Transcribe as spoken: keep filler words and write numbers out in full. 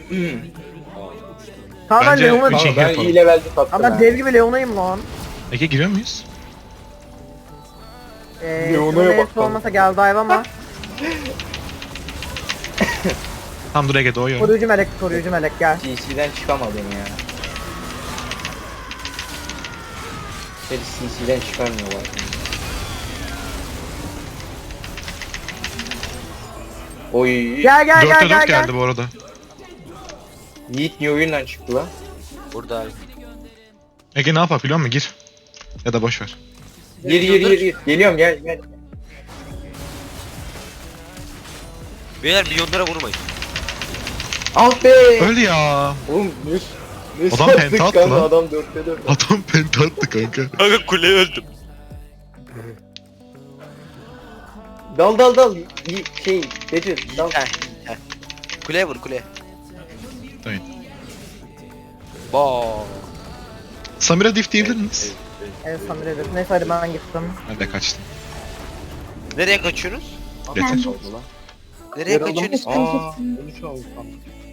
Tamam ben Bence Leon'a... üç- Tamam ben yapalım. iyi levelci sattım. Ama ben ha. dev gibi Leon'ayım lan. Ege giriyor muyuz? Eee Leon'a Leon'a bak lan. olmasa gel dive ama. Tam dur Ege doğuyor. Koruyucu melek, koruyucu melek gel. G C'den çıkamadım ya. Seni C C'den çıkarmıyorlar. Oy. Gel gel gel dörtte gel dört gel. geldi bu arada. Yiğit niye oyundan çıktı lan? Burada abi. Ege ne yapar biliyor musun? Gir. Ya da boş ver. Gir gir gir gir. Geliyorum gel gel. Beyler milyonlara vurmayın. Ah be. Öldü ya. Oğlum ne ne Adam sattık penta attı kanka, lan. adam dörtte dört. Adam penta attı kanka. Kanka kuleye öldüm. Dal dal dal. Y- Şey Becir dal. Heh, heh. Kuleye vur kuleye. Evet. Ba. Samira diff diyebilir miyiz? Evet Samir'e neyse hadi ben gittim. Ben de kaçtım. Nereye kaçıyorsunuz? Yeter. Oldu lan. Nereye Yer kaçıyorsunuz? Aa, onu çaldı.